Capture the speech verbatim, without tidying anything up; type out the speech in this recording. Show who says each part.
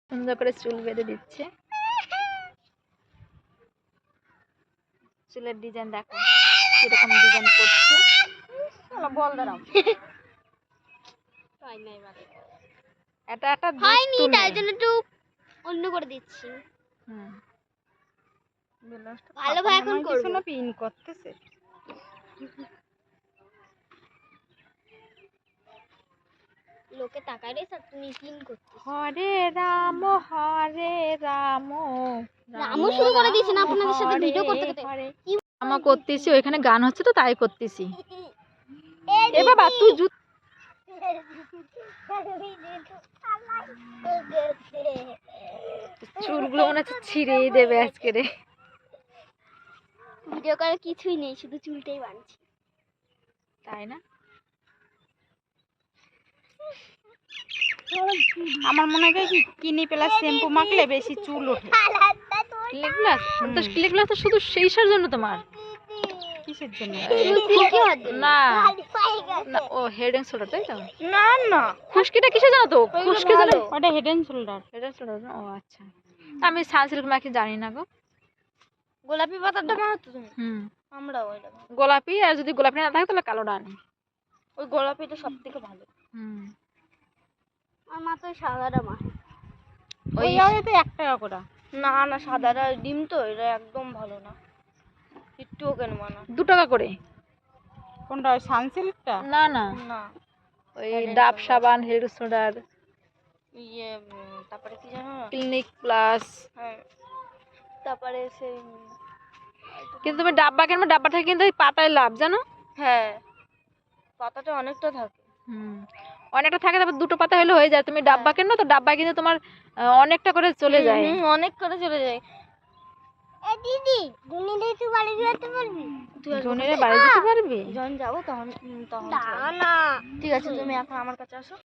Speaker 1: সুন্দর করে চুল বেঁধে দিচ্ছে। চুলের ডিজাইন দেখো কিরকম ডিজাইন করছে। বল দাঁড়াও এটা একটা
Speaker 2: হয়নি, তাই জন্য একটু অন্য করে দিচ্ছি।
Speaker 1: হুম
Speaker 2: ভালো ভাই এখন করব
Speaker 1: না, পিন করতেছে।
Speaker 2: লোকে তাকায় রে স্যার, তুমি পিন করতেছ।
Speaker 1: হরে রাম হরে রাম
Speaker 2: রামও শুরু করে দিয়েছেন আপনাদের সাথে ভিডিও করতে করতে।
Speaker 1: আমা করতেছি, ওইখানে গান হচ্ছে তো তাই করতেছি। এ বাবা তুই জুত চুলগুলো মনে হচ্ছে ছিঁড়েই দেবে আজকে রে।
Speaker 2: ভিডিও করার কিছুই নেই, শুধু চুলটাই বানছি।
Speaker 1: তাই না? আমার মনে হয় কি কিনি প্লাস শ্যাম্পু মাখলে বেশি চুল ওঠে। ক্লিক গ্লাস তো ক্লিক গ্লাস তো শুধু সেইসার জন্য তোমার। কিসের জন্য? না না ও হেড এন্ড শোল্ডার তাই তো?
Speaker 2: না না,
Speaker 1: খুশকিটা কিসের জন্য তো? খুশকি জানো? ওটা head and shoulder. Head and shoulder ও আচ্ছা। আমি সানসিল্ক মাখি জানি না গো।
Speaker 2: গোলাপি পাতাটা মাখতো তুমি?
Speaker 1: হুম
Speaker 2: আমরা ওইটা
Speaker 1: গোলাপি, আর যদি গোলাপি না থাকে তাহলে কালোটা আনি।
Speaker 2: ওই গোলাপিটা সবথেকে ভালো।
Speaker 1: হুম
Speaker 2: আমার মা তো সাদাটা মাখে।
Speaker 1: ওই ইয়াতে এক টাকা করে।
Speaker 2: না না, সাদাটা ডিম তো, এটা একদম ভালো না। একটুও কেন মানা।
Speaker 1: দু টাকা করে। কোনটা ওই সানসিল্কটা? না না
Speaker 2: না,
Speaker 1: ওই ডাব সাবান, হেড শোল্ডার,
Speaker 2: ইয়ে তারপরে কি জানো না,
Speaker 1: ক্লিনিক প্লাস।
Speaker 2: হ্যাঁ তারপরে সেই
Speaker 1: কিন্তু তুমি ডাব্বা কিনবে, ডাব্বা থেকে কিন্তু ওই পাতায় লাভ জানো?
Speaker 2: হ্যাঁ পাতাটা অনেকটা থাকে।
Speaker 1: হুম অনেকটা থাকে, তারপর দুটো পাতা হলে হয়ে যায়। তুমি ডাব্বা কেন তো ডাব্বা কিন্তু তোমার আহ, অনেকটা করে চলে যায়।
Speaker 2: হুম অনেক করে চলে যায়। এ দিদি জুনিরে তুই বাড়ি যেতে পারবি?
Speaker 1: জুনিরে বাড়ি যেতে পারবি?
Speaker 2: যখন যাবো তখন তখন না না, ঠিক আছে তুমি এখন আমার কাছে আসো।